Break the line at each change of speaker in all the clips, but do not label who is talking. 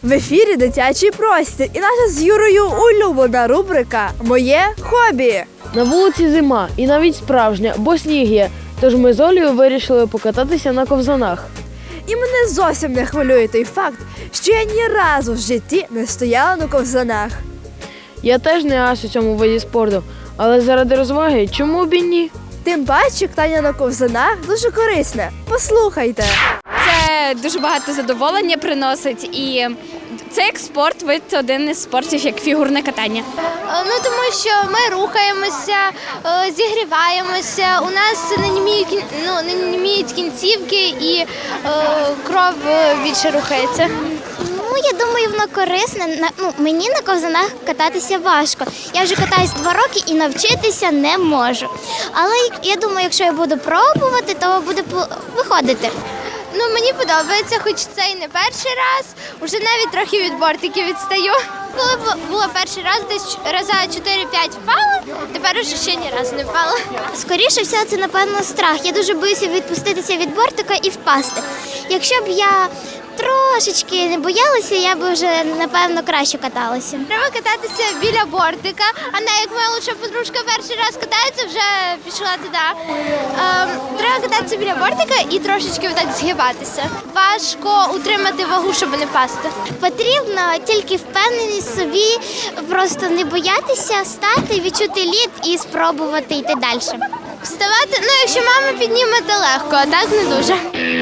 В ефірі «Дитячий простір» і наша з Юрою улюблена рубрика «Моє хобі».
На вулиці зима і навіть справжня, бо сніг є. Тож ми з Олею вирішили покататися на ковзанах.
І мене зовсім не хвилює той факт, що я ні разу в житті не стояла на ковзанах.
Я теж не ас у цьому виді спорту, але заради розваги чому б і ні?
Тим паче, катання на ковзанах дуже корисне. Послухайте.
Це дуже багато задоволення приносить, і це як спорт, вид один із спортів, як фігурне катання.
Тому що ми рухаємося, зігріваємося, у нас не німіють кінцівки і кров більше рухається. Я думаю, воно корисне. Мені на ковзанах кататися важко. Я вже катаюсь 2 роки і навчитися не можу. Але я думаю, якщо я буду пробувати, то буде виходити. Мені подобається, хоч це і не перший раз. Уже навіть трохи від бортиків відстаю. Коли було перший раз, десь раза 4-5 впала, тепер уже ще ні разу не впала. Скоріше всього, це, напевно, страх. Я дуже боюся відпуститися від бортика і впасти. Якщо б я трошечки не боялася, я б вже, напевно, краще каталася. Треба кататися біля бортика, а не як моя лучша подружка перший раз катається, вже пішла туди. Треба кататися біля бортика і трошечки так згибатися. Важко утримати вагу, щоб не пасти. Потрібно тільки впевненість в собі, просто не боятися стати, відчути лід і спробувати йти далі. Вставати, якщо мама підніме, то легко, а так не дуже.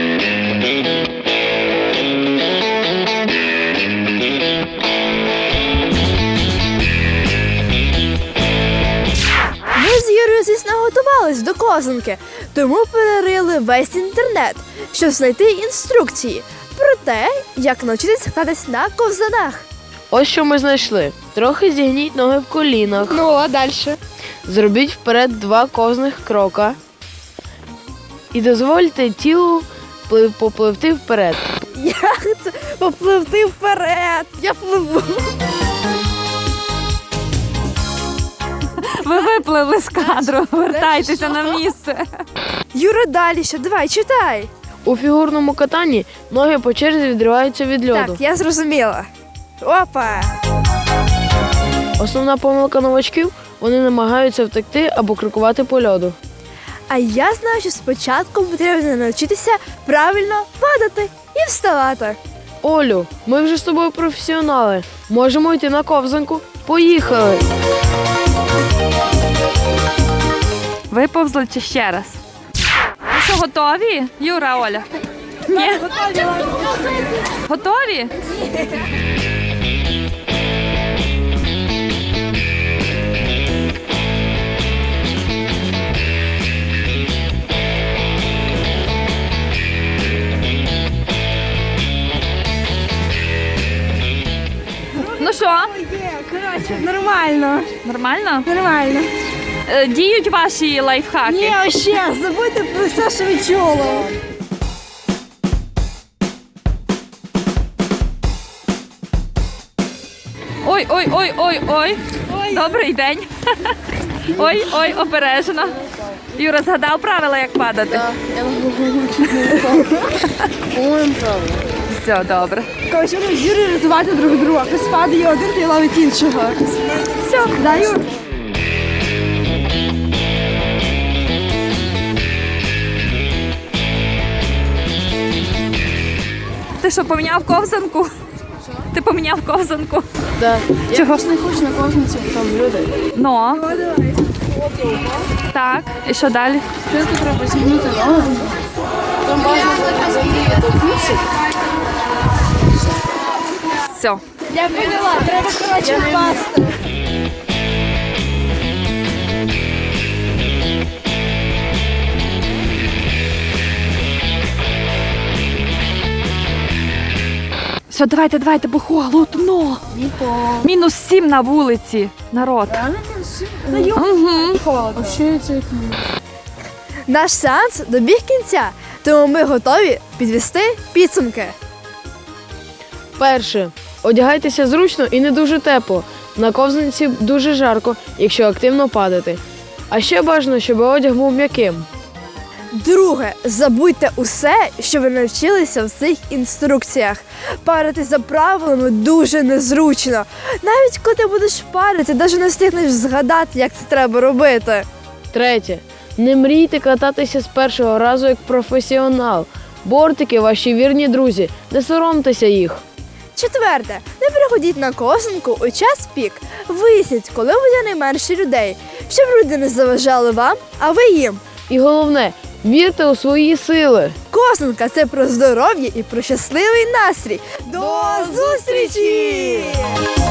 Ми з Юрою, звісно, готувались до ковзанки, тому перерили весь інтернет, щоб знайти інструкції про те, як навчитися кататись на ковзанах.
Ось що ми знайшли. Трохи зігніть ноги в колінах.
А далі?
Зробіть вперед 2 ковзних крока. І дозвольте тілу попливти вперед.
Як це попливти вперед? Я пливу.
Ви випливли з кадру, вертайтеся на місце.
Юра, далі що? Давай, читай.
У фігурному катанні ноги по черзі відриваються від льоду.
Так, я зрозуміла. Опа!
Основна помилка новачків – вони намагаються втекти або крокувати по льоду.
А я знаю, що спочатку потрібно навчитися правильно падати і вставати.
Олю, ми вже з тобою професіонали. Можемо йти на ковзанку? Поїхали!
Виповзли чи ще раз? Ну що, готові? Юра, Оля? Ні? Готові? Ну що?
Коротше, нормально.
Нормально?
Нормально.
Діють ваші лайфхаки?
Ні, ще, забудьте про все, що ви чули.
Ой. Добрий день. Ой, обережно. Юра, згадав правила, як падати?
Так, я по-моєму правильно.
Все, добре.
Коротше, ми з Юрою рятувати друг друга. Хтось падає один, той ловить іншого. Все, да, Юр?
Ти що, поміняв ковзанку? Ти поміняв ковзанку?
Так.
Чого?
Я не хочу на ковзанці, бо там люди.
Ну. Так, і що далі?
Спочатку треба зігнути ноги. Там бажано взагалі відтолкнутися.
Все.
Я поняла, треба, коротше, впасти.
Все, давайте, бо холодно. -7 на вулиці, народ.
А що це?
Наш сеанс добіг кінця, тому ми готові підвести підсумки.
Перше. Одягайтеся зручно і не дуже тепло. На ковзанці дуже жарко, якщо активно падати. А ще бажано, щоб одяг був м'яким.
Друге, забудьте усе, що ви навчилися в цих інструкціях. Парити за правилами дуже незручно. Навіть коли ти будеш парити, навіть не встигнеш згадати, як це треба робити.
Третє. Не мрійте кататися з першого разу як професіонал. Бортики – ваші вірні друзі, не соромтеся їх.
Четверте, не приходіть на ковзанку у час пік. Виясніть, коли буде найменше людей, щоб люди не заважали вам, а ви їм.
І головне, вірте у свої сили.
Ковзанка – це про здоров'я і про щасливий настрій. До зустрічі!